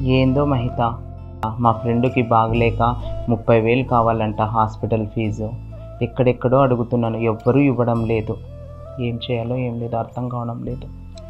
ఏందో మహిత, మా ఫ్రెండ్కి బాగలేక 30,000 కావాలంట హాస్పిటల్ ఫీజు. ఎక్కడెక్కడో అడుగుతున్నాను, ఎవ్వరూ ఇవ్వడం లేదు. ఏం చేయాలో ఏం లేదు, అర్థం కావడం లేదు.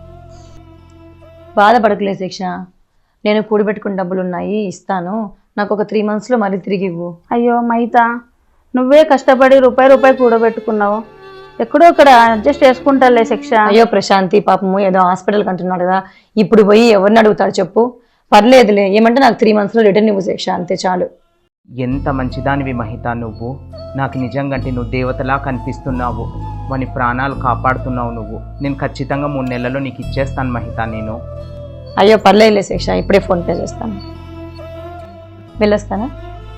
బాధపడకలే శిక్ష, నేను కూడబెట్టుకున్న డబ్బులు ఉన్నాయి, ఇస్తాను. నాకు ఒక 3 monthsలో మళ్ళీ తిరిగి ఇవ్వు. అయ్యో మహిత, నువ్వే కష్టపడి రూపాయి కూడబెట్టుకున్నావు, ఎక్కడో అక్కడ అడ్జస్ట్ చేసుకుంటాలే శిక్ష. అయ్యో ప్రశాంతి, పాపము ఏదో హాస్పిటల్కి అంటున్నాడు కదా, ఇప్పుడు పోయి ఎవరిని అడుగుతాడు చెప్పు. పర్లేదులే, ఏమంటే నాకు 3 monthsలో రిటర్న్ ఇవ్వు శిక్ష, అంతే చాలు. ఎంత మంచిదానివి మహిత నువ్వు. నాకు నిజంగంటే నువ్వు దేవతలా కనిపిస్తున్నావు. వాని ప్రాణాలు కాపాడుతున్నావు నువ్వు. నేను ఖచ్చితంగా 3 నెలల్లో నీకు ఇచ్చేస్తాను మహిత. నేను అయ్యో పర్లేదులే శిక్ష, ఇప్పుడే ఫోన్పే చేస్తాను. వెళ్ళొస్తానా?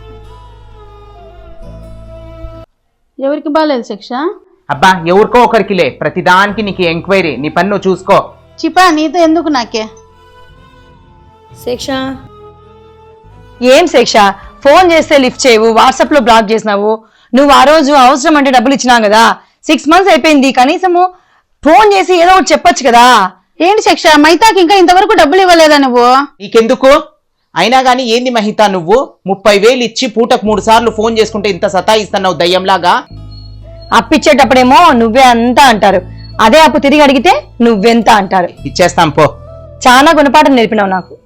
ఎవరికి బాగాలేదు శిక్ష? అబ్బా ఎవరికో ఒకరికిలే, ప్రతిదానికి నీకు ఎంక్వైరీ. నీ పని నువ్వు చూసుకో. చిపా నీతో ఎందుకు నాకే? శిక్ష ఏం శిక్ష, ఫోన్ చేస్తే లిఫ్ట్ చేయవు, వాట్సాప్లో బ్లాక్ చేసినావు. నువ్వు ఆ రోజు అవసరం అంటే డబ్బులు ఇచ్చినావు కదా, 6 months అయిపోయింది, కనీసము ఫోన్ చేసి ఏదో ఒకటి చెప్పొచ్చు కదా. ఏంటి శిక్ష, మైతాకి ఇంకా ఇంతవరకు డబ్బులు ఇవ్వలేదా నువ్వు? నీకెందుకు? అయినా గానీ ఏంది మహిత నువ్వు 30,000 ఇచ్చి పూటకు 3 సార్లు ఫోన్ చేసుకుంటే ఇంత సతాయిస్తున్నావు దయ్యంలాగా. అప్పిచ్చేటప్పుడేమో నువ్వే అంతా అంటారు, అదే అప్పు తిరిగి అడిగితే నువ్వెంత అంటారు. ఇచ్చేస్తాం పో. చాలా గుణపాఠం నేర్పినావు నాకు.